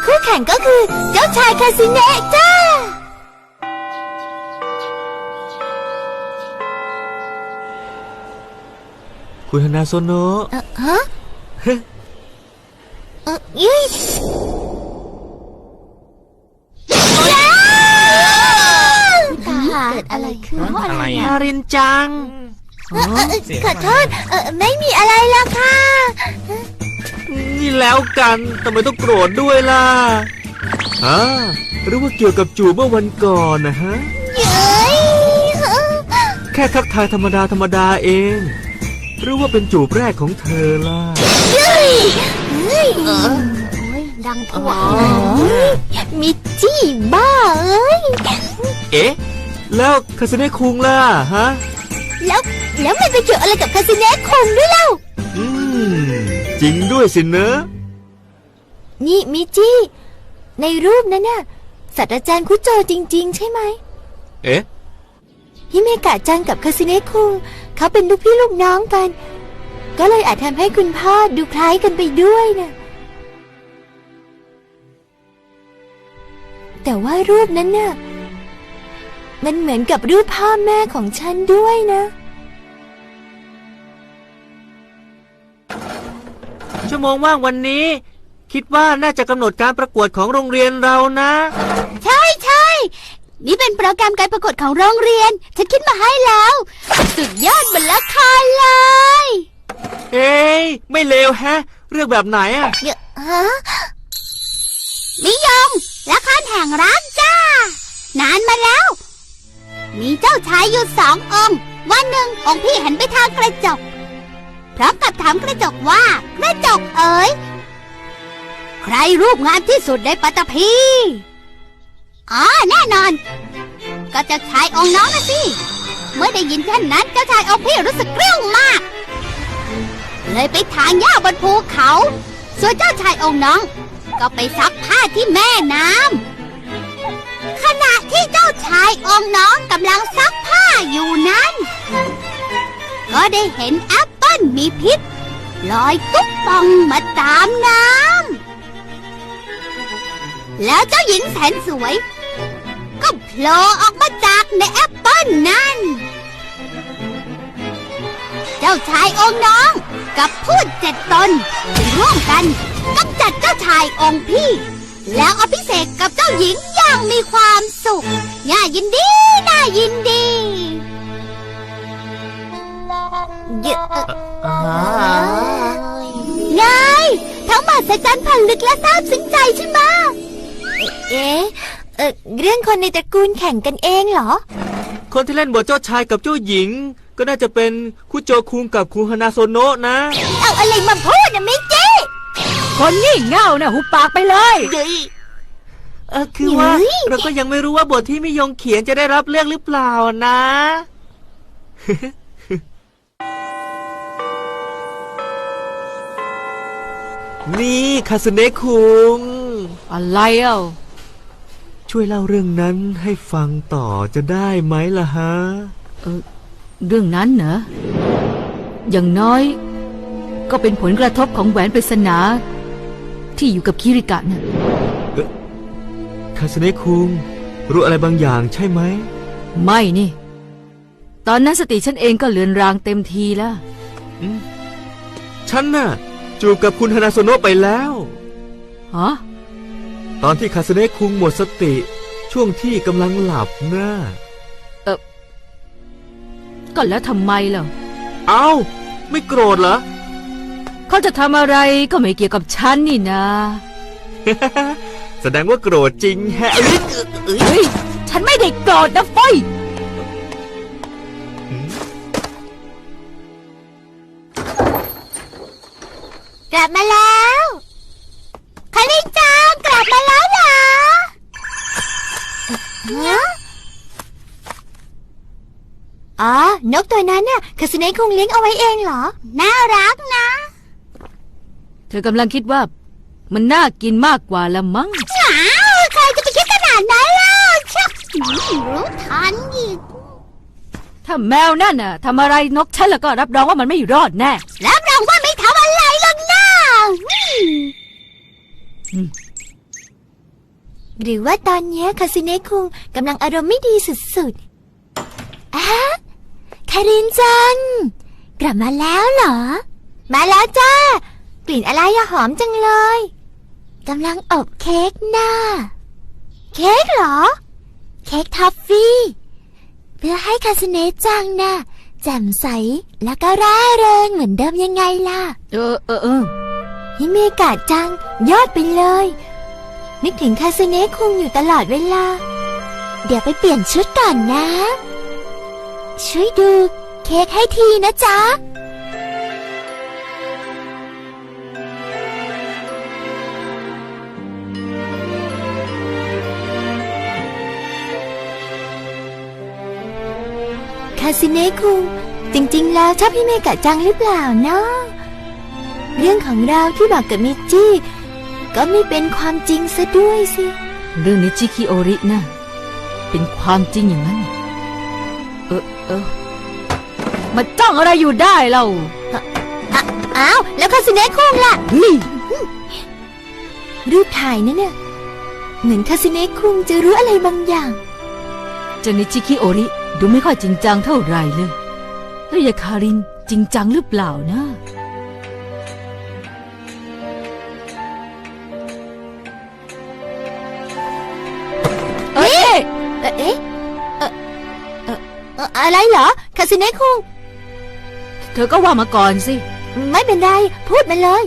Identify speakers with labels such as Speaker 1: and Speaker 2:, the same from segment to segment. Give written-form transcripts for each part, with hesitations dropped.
Speaker 1: คู่แข่งก็คือเจ้าชายคาสิเนะจ้า
Speaker 2: คุณฮานาโซโนะ
Speaker 1: ฮะยี่เกิดอะไรขึ้น
Speaker 3: อะไร
Speaker 2: นา
Speaker 3: อ่ะ
Speaker 2: รินจัง
Speaker 1: ขอโทษไม่มีอะไรละค่ะ
Speaker 2: นี่แล้วกันทำไมต้องโกรธด้วยล่ะหรือว่าเกี่ยวกับจูบเมื่อวันก่อนนะฮะ
Speaker 1: เย้ย
Speaker 2: แค่ทักทายธรรมดาเอง หรือว่าเป็นจูบแรกของเธอล่ะ
Speaker 1: เย้ยเฮ้ยโอ้ยดังทั่วมิจี้บ้าเอ้ย
Speaker 2: เอ๊ะ แล้วคาสเนะคุงล่ะฮะ
Speaker 1: แล้วมันไปเกี่ยวอะไรกับคาสิเนะคงด้วยเล่า
Speaker 2: จริงด้วยสิเนอะ
Speaker 1: นี่มิจี้ในรูปนั้นน่ะศาสตราจารย์คุโจจริงๆใช่ไหม
Speaker 2: เอ๊ะ
Speaker 1: ฮิเมกะจังกับคาสิเนะคุงเขาเป็นลูกพี่ลูกน้องกัน ก็เลยอาจทำให้คุณพ่อดูคล้ายกันไปด้วยนะแต่ว่ารูปนั้นน่ะมันเหมือนกับรูปพ่อแม่ของฉันด้วยนะ
Speaker 2: ชั่วโมงว่างวันนี้ คิดว่าน่าจะกำหนดการประกวดของโรงเรียนเรานะ
Speaker 1: ใช่นี่เป็นโปรแกรมการประกวดของโรงเรียนฉันคิดมาให้แล้วสุดยอดบนละครเลย
Speaker 2: เอ้ยไม่เลวแฮะ เรื่องแบบไหนอะ
Speaker 1: ฮะนิยมละครแห่งรักจ้านานมาแล้ว มีเจ้าชายอยู่2 องค์วันหนึ่งองค์พี่หันไปทางกระจกพร้อมกับถามกระจกว่ากระจกเอ๋ยใครรูปงามที่สุดในปัตตภีแน่นอนก็เจ้าชายองค์น้องนะสิเมื่อได้ยินเช่นนั้นเจ้าชายองค์พี่รู้สึกเกรี้ยวมากเลยไปถางหญ้าบนภูเขาส่วนเจ้าชายองค์น้องก็ไปซักผ้าที่แม่น้ำขณะที่เจ้าชายองค์น้องกำลังซักผ้าอยู่นั้นก็ได้เห็นแอปเปิ้ลมีพิษลอยตุ๊บป่องมาตามน้ำแล้วเจ้าหญิงแสนสวยก็โผล่ออกมาจากในแอปเปิ้ลนั่นเจ้าชายองค์น้องกับพูด7 ตนจึงร่วมกันกำจัดเจ้าชายองค์พี่แล้วอภิเษกกับเจ้าหญิงอย่างมีความสุขน่ายินดีไงทั้งมหัศจรรย์พันลึกและซาบซึ้งใจใช่ไหมเรื่องคนในตระกูลแข่งกันเองเหรอ
Speaker 2: คนที่เล่นบทเจ้าชายกับเจ้าหญิง ก็น่าจะเป็นคุโจคุงกับคุฮานาโซโนะนะ
Speaker 1: เอาอะไรมาพูดนะมิจิ
Speaker 4: คนงี่เง่านะหุบปากไปเลย
Speaker 2: คือว่าเราก็ยังไม่รู้ว่าบทที่มิยงเขียนจะได้รับเลือกหรือเปล่านะ นี่คาสเนะคุง
Speaker 4: อะไรเอ้า
Speaker 2: ช่วยเล่าเรื่องนั้นให้ฟังต่อจะได้ไหมล่ะฮะ
Speaker 4: เรื่องนั้นเหรออย่างน้อยก็เป็นผลกระทบของแหวนปริศนาที่อยู่กับคิริกะน่ะ
Speaker 2: คาสเนะคุงรู้อะไรบางอย่างใช่ไหม
Speaker 4: ไม่นี่ ตอนนั้นสติฉันเองก็เลือนรางเต็มทีแล้ว
Speaker 2: ฉันน่ะจูบกับคุณฮานาโซโนะไปแล้ว
Speaker 4: ฮะ
Speaker 2: ตอนที่คาสเนะคุงหมดสติช่วงที่กำลังหลับน่ะ
Speaker 4: ก็แล้วทำไมล่ะ
Speaker 2: เอ้าไม่โกรธเหรอ
Speaker 4: เขาจะทำอะไรก็ไม่เกี่ยวกับฉันนี่นะ
Speaker 2: แสดงว่าโกรธจริงแฮะ
Speaker 4: เฮ้ยฉันไม่ได้โกรธนะเฟ้ย
Speaker 1: กลับมาแล้วคาริจังกลับมาแล้วเหรอนกตัวนั้นน่ะคาสเนะคงเลี้ยงเอาไว้เองเหรอน่ารักนะ
Speaker 4: เธอกำลังคิดว่ามันน่ากินมากกว่าละมั้ง
Speaker 1: ใครจะไปคิดขนาดนั้นล่ะชักรู้ทันอีก
Speaker 4: ถ้าแมวนั่นน่ะทำอะไรนกฉันแล้วก็รับรองว่ามันไม่รอดแน่
Speaker 1: รับรองว่าไม่ทำอะไรหรอกนะหรือว่าตอนนี้คาสิเนะคุงกำลังอารมณ์ไม่ดีสุดๆอะคารินจังกลับมาแล้วเหรอมาแล้วจ้ากลิ่นอะไรอะหอมจังเลยกำลังอบเค้กน่าเค้กเหรอเค้กทอฟฟี่เพื่อให้คาสิเนะจังน่ะแจ่มใสแล้วก็ร่าเริงเหมือนเดิมยังไงล่ะฮิเมกะจังยอดไปเลยนึกถึงคาสิเนะคุงอยู่ตลอดเวลาเดี๋ยวไปเปลี่ยนชุดก่อนนะช่วยดูเค้กให้ทีนะจ๊ะคาสิเนะคุงจริงๆแล้วชอบฮิเมกะจังหรือเปล่าเนาะเรื่องของเราที่บอกกับมิจิก็ไม่เป็นความจริงซะด้วยสิ
Speaker 4: เรื่องนิจิคิโอริน่ะเป็นความจริงอย่างนั้นมาจ้องอะไรอยู่ได้เรา
Speaker 1: อ้าวแล้วคาสิเนะคุงล่ะรูปถ่ายนั่นเนี่ยเหมือนคาสิเนะคุงจะรู้อะไรบางอย่าง
Speaker 4: เจ้านิจิคิโอริดูไม่ค่อยจริงจังเท่าไหร่เลยแล้วยายคารินจริงจังหรือเปล่านะ
Speaker 1: อะไรเหรอคาสิเนะคุง
Speaker 4: เธอก็ว่ามาก่อนสิ
Speaker 1: ไม่เป็นไรพูดมาเลย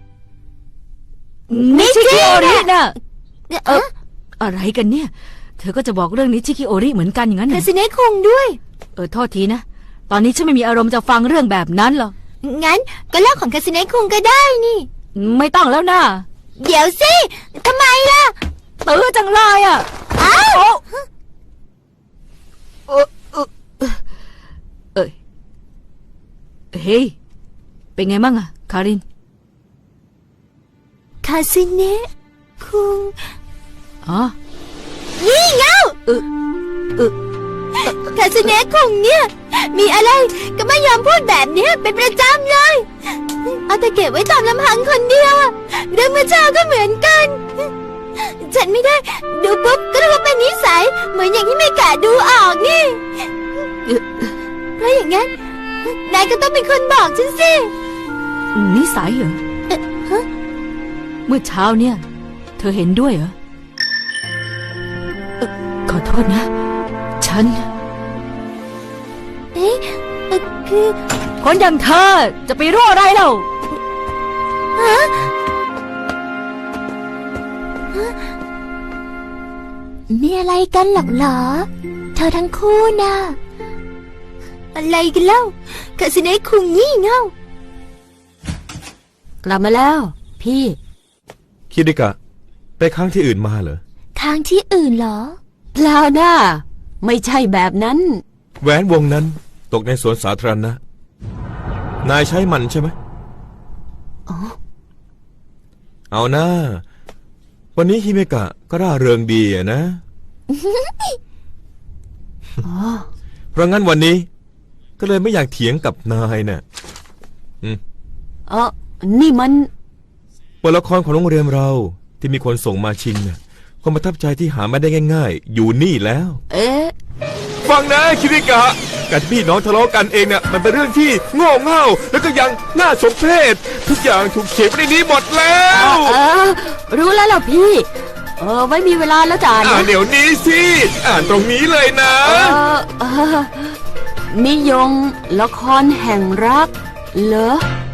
Speaker 4: นิชิคิโอริน่ะอะไรกันเนี่ยเธอก็จะบอกเรื่องนิชิคิโอริเหมือนกันอย่างนั้น
Speaker 1: คาสิเนะคุงด้วย
Speaker 4: โทษทีนะตอนนี้ฉันไม่มีอารมณ์จะฟังเรื่องแบบนั้นหรอก
Speaker 1: งั้นก็เล่าของคาสิเนะคุงก็ได้นี่
Speaker 4: ไม่ต้องแล้วนะ
Speaker 1: เดี๋ยวสิทำไมล่ะ
Speaker 4: ตื้อจังเลยอ่ะ
Speaker 1: อ้าว
Speaker 4: เฮ้ยเป็นไงบ้างอะคาริน
Speaker 1: คาสิเนะคุง
Speaker 4: นี่
Speaker 1: เงาคาสิเนะคุงเนี่ยมีอะไรก็ไม่ยอมพูดแบบนี้เป็นประจำเลยเอาแต่เก็บไว้ตามลำพังคนเดียวอะเรื่องเมื่อเช้าก็เหมือนกันฉันไม่ได้ดูปุ๊บก็รู้ว่าเป็นนิสัยเหมือนอย่างที่เมกะดูออกนี่เพราะอย่างนั้นนายก็ต้องเป็นคนบอกฉันสิ
Speaker 4: นิสัยเหรอเมื่อเช้าเนี่ยเธอเห็นด้วยเหรอขอโทษนะฉัน
Speaker 1: คือ
Speaker 4: คนอย่างเธอจะไปรู้อะไรเล่า
Speaker 1: มีอะไรกันหรอกเหรอเธอทั้งคู่น่ะอะไรกันเล่าคาสิเนะคุงงี่เง่าก
Speaker 4: ลับมาแล้วพี่
Speaker 2: คิริกะไปค้างที่อื่นมาเหรอ
Speaker 1: ค้างที่อื่นเหรอ
Speaker 4: เปล่านะไม่ใช่แบบนั้น
Speaker 2: แหวนวงนั้นตกในสวนสาธารณะนายใช้มันใช่ไหมเอาหน้าวันนี้ฮิเมกะก็ร่าเริงดีอะนะเพราะงั้นวันนี้ก็เลยไม่อยากเถียงกับนายน่ะ
Speaker 4: นี่มัน
Speaker 2: บทละครของโรงเรียนเราที่มีคนส่งมาชิงน่ะความประทับใจที่หาไม่ได้ง่ายๆอยู่นี่แล้วฟังนะคิริกะการที่พี่น้องทะเลาะกันเองเนี่ยมันเป็นเรื่องที่โง่เง่าแล้วก็ยังน่าสมเพชทุกอย่างถูกเขียนไว้ในนี้หมดแล้ว
Speaker 4: รู้แล้วล่ะพี่ไม่มีเวลาแล้วจ้า
Speaker 2: อ่านเดี๋ยวนี้สิอ่านตรงนี้เลยนะ
Speaker 4: นิยมละครแห่งรักเหรอ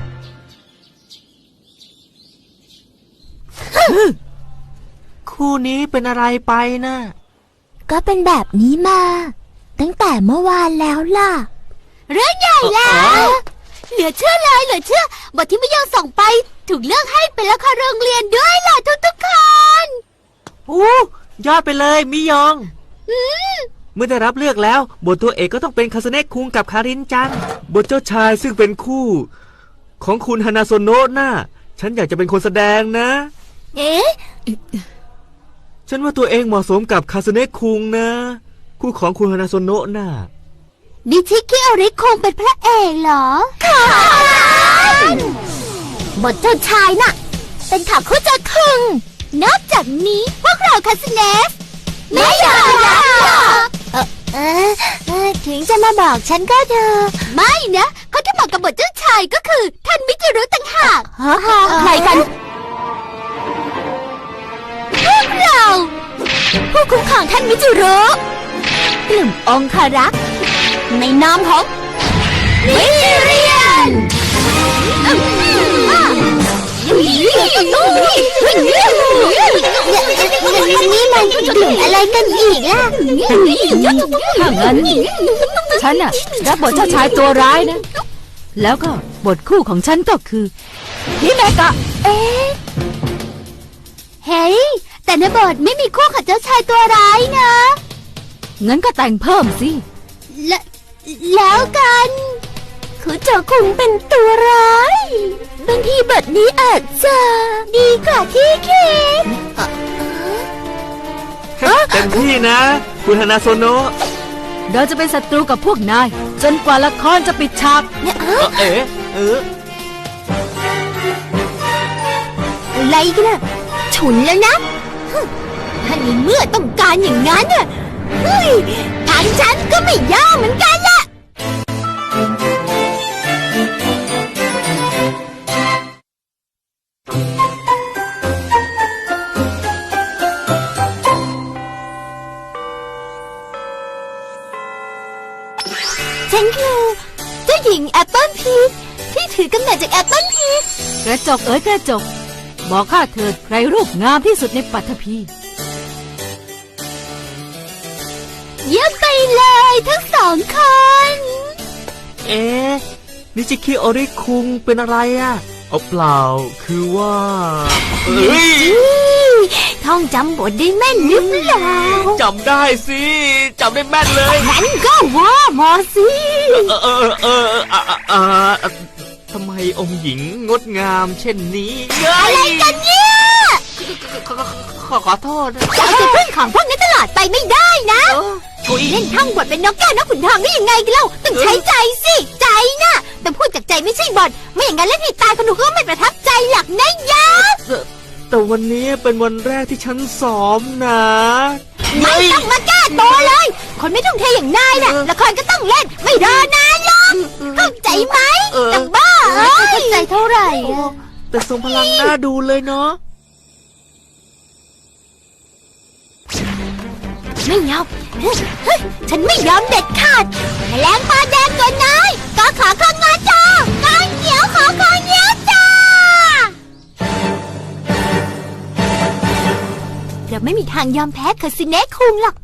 Speaker 3: คู่นี้เป็นอะไรไปนะ
Speaker 1: ก็เป็นแบบนี้มาตั้งแต่เมื่อวานแล้วล่ะเรื่องใหญ่แล้วเหลือเชื่อเลยเหลือเชื่อบทที่ไม่ยอมส่งไปถูกเลือกให้เป็นละครโรงเรียนด้วยล่ะทุกคน
Speaker 3: ยอดไปเลยมิยองเมื่อได้รับเลือกแล้วบทตัวเอกก็ต้องเป็นคาสเนะคุงกับคารินจังบทเจ้าชายซึ่งเป็นคู่ของคุณฮานาโซโนะน่ะฉันอยากจะเป็นคนแสดงนะฉันว่าตัวเองเหมาะสมกับคาสเนะคุงนะคู่ของคุณฮานาโซโนะน่ะ
Speaker 1: นิชิคิโอริคงเป็นพระเอกเหรอบทเจ้าชายน่ะเป็นขาคุจะคึงนอกจากนี้พวกเราล่าคาสเนสไม่ยอมรับหรอกถึงจะมาบอกฉันก็เถอะไม่นะเขาที่บอกกับบทเจ้าชายก็คือท่านมิจิรุต่างหากใครกันพวกเราผู้คุ้มครองท่านมิจิรุกลุ่มองคารักษ์ในนามของมิจิเรียนนี่มันกลุ่มอะไรกันอีกล่ะ
Speaker 4: ถ้างั้น ฉันน่ะรับบทเจ้าชายตัวร้ายนะ แล้วก็บทคู่ของฉันก็คือฮิเมกะ
Speaker 1: เฮ้ยแต่ในบทไม่มีคู่กับเจ้าชายตัวร้ายนะ
Speaker 4: งั้นก็แต่งเพิ่มสิ
Speaker 1: แล้วกันคุณโจคุงเป็นตัวร้ายบางทีบทนี้อาจจะดีกว่าที่คิด
Speaker 3: เต็มที่นะ คุณฮานาโซโนะ
Speaker 4: เราจะเป็นศัตรูกับพวกนาย จนกว่าละครจะปิดฉาก
Speaker 1: อะไรกันน่ะฉุนแล้วนะถ้าในเมื่อต้องการอย่างนั้นน่ะเฮ้ยทางฉันก็ไม่ยอมเหมือนกันล่ะฉันคือเจ้าหญิงแอปเปิลพีชที่ถือกำเนิดจากแอปเปิลพีช
Speaker 4: กระจกเอ๋ยกระจก บอกข้าเถิดใครรูปงามที่สุดในปัทภี
Speaker 1: เยี่ยมไปเลยทั้งสองคน
Speaker 3: นิจิคิโอริคุงเป็นอะไรอ่ะเอาเปล่าคือว่า
Speaker 1: ท่องจำบทได้แม่นหรือเปล่า
Speaker 3: จำได้สิจำได้แม่นเลย
Speaker 1: งั้นก็ว่ามาสิ
Speaker 3: ทำไมองค์หญิงงดงามเช่นนี้
Speaker 1: อะไรกันเนี่ย
Speaker 3: ขอโทษนะ
Speaker 1: จะเอาแต่พึ่งของพวกนี้ตลอดไปไม่ได้นะ
Speaker 3: กุย
Speaker 1: เล่นท่องบทเป็นนกแก้วนกขุนทองได้ยังไงกันเล่าต้องใช้ใจสิใจนะแต่พูดจากใจไม่ใช่บทไม่อย่างนั้นเล่นให้ตายคนดูก็ไม่ประทับใจหลักนะยะ
Speaker 3: แต่วันนี้เป็นวันแรกที่ฉันซ้อมนะ
Speaker 1: ไม่ต้องมาแก้ตัวเลย คนไม่ทุ่มเทอย่างนายน่ะละครก็ต้องเล่นไม่รอนานหรอกเข้าใจไหมแต่บ้าเข้าใจเท่าไหร่
Speaker 3: แต่ทรงพลังน่าดูเลยเนาะ
Speaker 1: ไม่ยอมฉันไม่ยอมเด็ดขาดแมลงปลาแดงตัวนายก็ขอข้างงาจ้ากางเขียวขอข้างเงี้ยวจ้าเราไม่มีทางยอมแพ้คาสิเนะคุงหรอก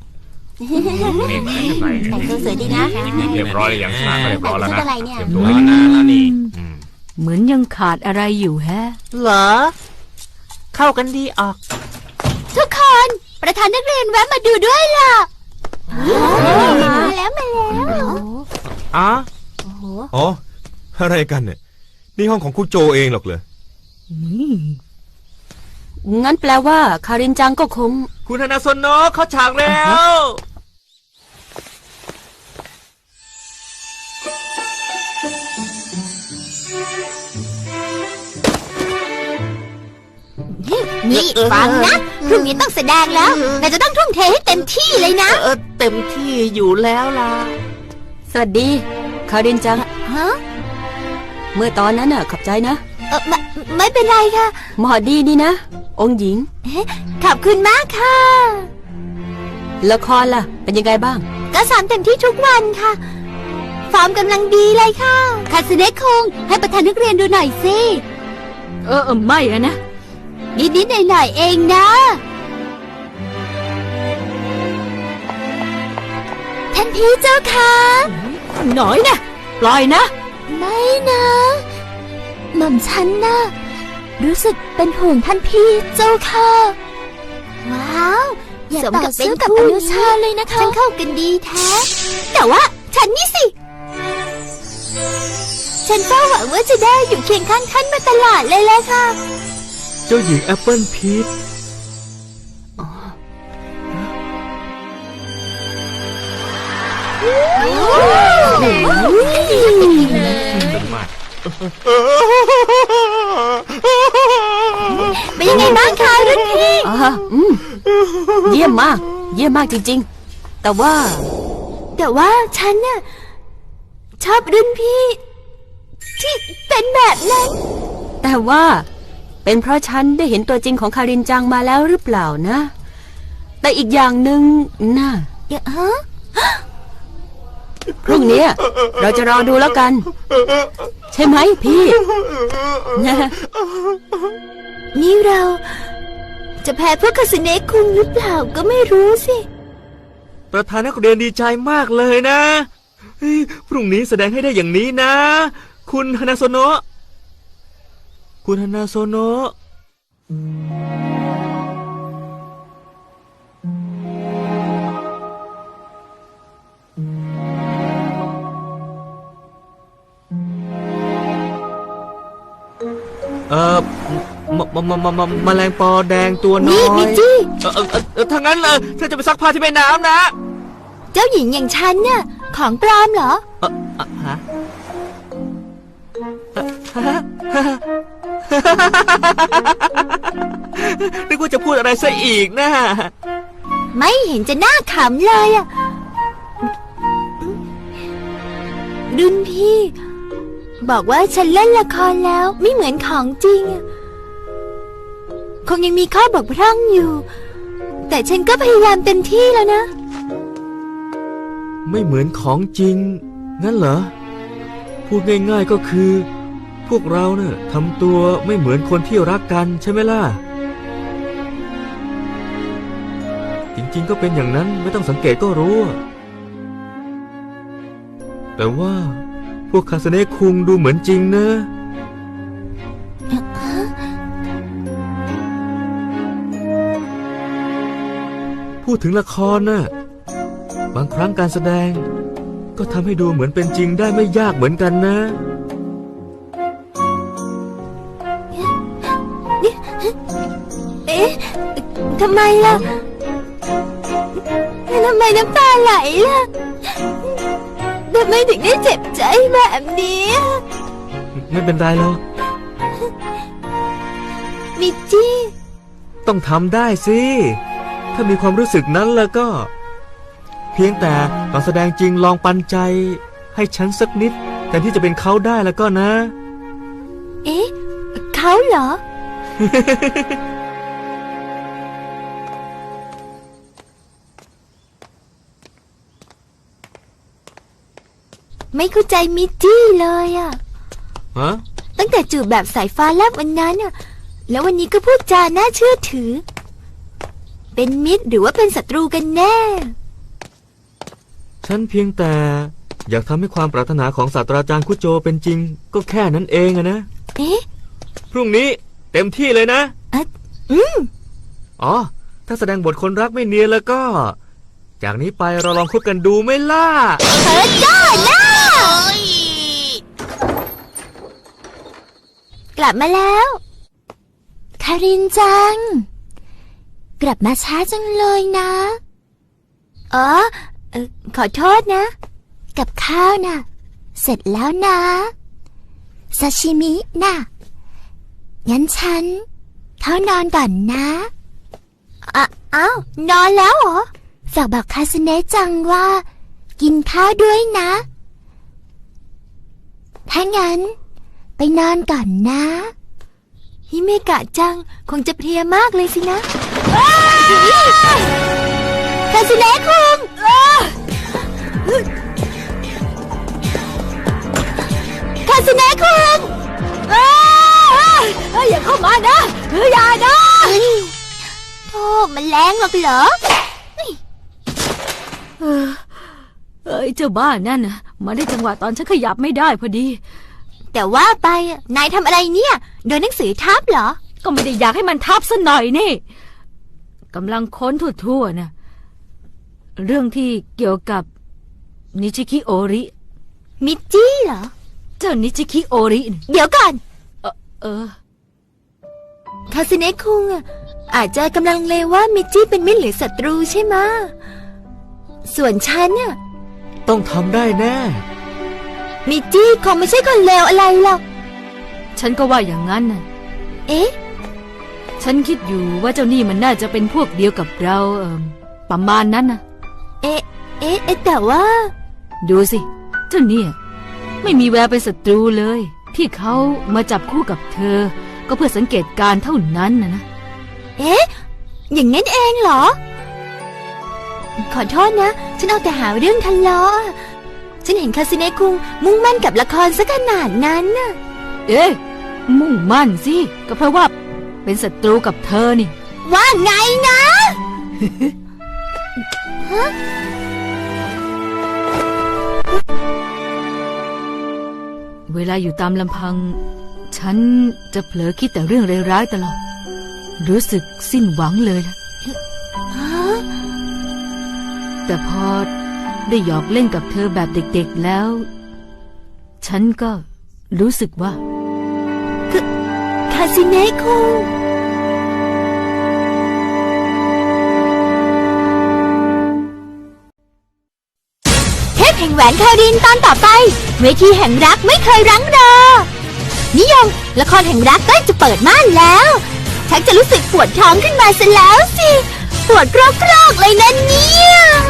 Speaker 1: แต่งตัวสวยดีนะ
Speaker 5: เรียบร้อยอย่างสนามก็เรียบร้อยแล้วนะ
Speaker 1: อะไรเนี่ย
Speaker 5: เตรียมตัวแล้วนะแล้วนี่
Speaker 4: เหมือนยังขาดอะไรอยู่แฮะ
Speaker 3: เหรอ เข้ากันดีออก
Speaker 1: ทุกคนประธานนักเรียนแวะมาดูด้วยล่ะมาแล้ว
Speaker 3: อ๋อ
Speaker 2: อ๋อ อะไรกันเนี่ย นี่ห้องของคุณโจเองหรอกเหรอ
Speaker 6: งั้นแปลว่าคารินจังก็คง
Speaker 3: คุณฮานาโซโนะเข้าฉากแล้ว
Speaker 1: นี่ฟังนะพรุ่งนี้ต้องแสดงแล้วแต่จะต้องทุ่มเทให้เต็มที่เลยนะ
Speaker 3: เต็มที่อยู่แล้วล่ะ
Speaker 6: สวัสดี คารินจัง
Speaker 1: ฮะ
Speaker 6: เมื่อตอนนั้นน่ะขอบใจนะ
Speaker 1: ไม่เป็นไรค่ะ
Speaker 6: หมอดีนี่นะ องค์หญิง
Speaker 1: ขอบคุณมากค่ะ
Speaker 6: ละครล่ะ เป็นยังไงบ้าง
Speaker 1: ก็ซ้อมเต็มที่ทุกวันค่ะฟอร์มกำลังดีเลยค่ะคาสเนะคงให้ประธานนักเรียนดูหน่อยสิ
Speaker 4: ไม่อะนะ
Speaker 1: นิดๆหน่อยๆเองนะท่านพี่เจ้าค่ะ
Speaker 4: หน่อยนะ ปล่อยนะ
Speaker 1: ไม่นะหม่อมฉันนะรู้สึกเป็นห่วงท่านพี่เจ้าค่ะ ว้าวสมกับเป็นกับอนุชาเลยนะคะฉันเข้ากันดีแท้ แต่ว่าฉันนี่สิ ฉันเฝ้าหวังว่าจะได้อยู่เคียงข้างท่านมาตลอดเลยแหละค่ะ
Speaker 3: เจ้าหญิงแอปเปิลพีช
Speaker 1: เป็นยังไงบ้างคะรุ่นพี่
Speaker 6: อ๋อเยี่ยมมาก เยี่ยมมากจริงๆ แต่ว่า
Speaker 1: ฉันน่ะชอบรุ่นพี่ ที่เป็นแบบนั้น
Speaker 6: แต่ว่าเป็นเพราะฉันได้เห็นตัวจริงของคารินจังมาแล้วหรือเปล่านะ แต่อีกอย่างหนึ่งนะ
Speaker 1: ฮะ
Speaker 6: พรุ่งนี้เราจะรอดูแล้วกัน ใช่ไหมพี่นะ
Speaker 1: นี่เราจะแพ้พวกคาสเนะคุงหรือเปล่าก็ไม่รู้สิ
Speaker 3: ประธานนักเรียนดีใจมากเลยนะเฮ้ยพรุ่งนี้แสดงให้ได้อย่างนี้นะ คุณฮานาโซโนะคุณฮานาโซโนะแมลงปอแดงตัวน้อย
Speaker 1: นี่มิจี้
Speaker 3: ถ้างั้นเธอจะไปซักผ้าที่แม่น้ำนะ
Speaker 1: เจ้าหญิงอย่างฉันน่ะของปลอมเหรอ
Speaker 3: ฮะนึกว่าจะพูดอะไรซะอีกนะ
Speaker 1: ไม่เห็นจะน่าขำเลยอ่ะรุ่นพี่ บอกว่าฉันเล่นละครแล้วไม่เหมือนของจริงอะคงยังมีข้อบกพร่องอยู่ แต่ฉันก็พยายามเต็มที่แล้วนะ
Speaker 3: ไม่เหมือนของจริง งั้นเหรอ พูดง่ายๆก็คือ พวกเราเนี่ยทำตัวไม่เหมือนคนที่รักกันใช่ไหมล่ะ จริงๆก็เป็นอย่างนั้นไม่ต้องสังเกตก็รู้ แต่ว่าพวกคาสเนะคุงดูเหมือนจริงนะ พูดถึงละครน่ะ บางครั้งการแสดงก็ทำให้ดูเหมือนเป็นจริงได้ไม่ยากเหมือนกันนะ
Speaker 1: เอ๊ะทำไมล่ะทำไมน้ำตาไหลล่ะทำไมถึงได้เจ็บใจแบบนี้
Speaker 3: ไม่เป็นไรหรอก
Speaker 1: มิจี้
Speaker 3: ต้องทำได้สิ ถ้ามีความรู้สึกนั้นแล้วก็ เพียงแต่ตอนแสดงจริงลองปันใจ ให้ฉันสักนิดแต่ที่จะเป็นเขาได้แล้วก็นะ
Speaker 1: เอ๊ะเขาเหรอ ไม่เข้าใจมิจี้เลยอะ
Speaker 3: ฮะ
Speaker 1: ตั้งแต่จูบแบบสายฟ้าแลบวันนั้นอะแล้ววันนี้ก็พูดจาน่าเชื่อถือ เป็นมิตรหรือว่าเป็นศัตรูกันแน่
Speaker 3: ฉันเพียงแต่อยากทำให้ความปรารถนาของศาสตราจารย์คุโจเป็นจริง ก็แค่นั้นเองอะนะ
Speaker 1: เอ๊ะ
Speaker 3: พรุ่งนี้เต็มที่เลยนะ
Speaker 1: อืม
Speaker 3: อ๋อ ถ้าแสดงบทคนรักไม่เนียนแล้วก็ จากนี้ไปเราลองคบกันดูไหมล่ะ
Speaker 1: เธอจ้านะกลับมาแล้ว คารินจัง กลับมาช้าจังเลยนะ อ๋อขอโทษนะ กับข้าวนะเสร็จแล้วนะ ซาชิมินะงั้นฉันเข้านอนก่อนนะอ้าวนอนแล้วเหรอ ฝากบอกคาสเนะจังว่า กินข้าวด้วยนะ ถ้างั้น ไปนอนก่อนนะฮิเมกะจังคงจะเพลียมากเลยสินะคาสเนะคุงคาสเนะคุงอย่าเข้ามานะอย่านะโธ่มันแรงหรอกเหรอ
Speaker 4: เจ้าบ้านนั่นนะมาได้จังหวะตอนฉันขยับไม่ได้พอดี
Speaker 1: แต่ว่าไปนายทำอะไรเนี่ยโดนหนังสือทับเหรอ
Speaker 4: ก็ไม่ได้อยากให้มันทับซะหน่อยนี่กำลังค้นทั่วๆนะเรื่องที่เกี่ยวกับนิชิคิโอริ
Speaker 1: มิจี้เหรอ
Speaker 4: เจ้านิชิคิโอริน่ะ
Speaker 1: เดี๋ยวก่อน
Speaker 4: เออ
Speaker 1: คาสเนะคุงอาจจะกำลังเลว่ามิจี้เป็นมิตรหรือศัตรูใช่ไหมะส่วนฉันน่ะ
Speaker 3: ต้องทำได้แน่
Speaker 1: มิจี้คงไม่ใช่คนเลวอะไรหรอก
Speaker 4: ฉันก็ว่าอย่างนั้นน่ะ
Speaker 1: เอ๊ะ
Speaker 4: ฉันคิดอยู่ว่าเจ้านี่มันน่าจะเป็นพวกเดียวกับเราประมาณนั้นนะ
Speaker 1: เอ๊ะแต่ว่า
Speaker 4: ดูสิ เจ้าเนี่ย ไม่มีแววเป็นศัตรูเลย ที่เขามาจับคู่กับเธอ ก็เพื่อสังเกตการณ์เท่านั้นนะ
Speaker 1: เอ๊ะ อย่างนั้นเองเหรอ ขอโทษนะ ฉันเอาแต่หาเรื่องทะเลาะฉันเห็นคาสิเนะคุงมุ่งมั่นกับละครซะขนาดนั้นน่ะ
Speaker 4: เอ๊ะมุ่งมั่นสิก็เพราะว่าเป็นศัตรูกับเธอนี่
Speaker 1: ว่าไงนะ
Speaker 4: เวลาอยู่ตามลำพัง ฉันจะเผลอคิดแต่เรื่องร้ายๆตลอด รู้สึกสิ้นหวังเลยล่ะ แต่พอได้หยอกเล่นกับเธอแบบเด็กๆแล้ว ฉันก็รู้สึกว่า
Speaker 1: คาสิเนะคุงเทพแห่งแหวนคารินตอนต่อไป เวทีแห่งรักไม่เคยรั้งรอ นิยมละครแห่งรักใกล้จะเปิดม่านแล้วชักจะรู้สึกปวดท้องขึ้นมาซะแล้วสิ ปวดกรอกๆเลยนะเนี่ย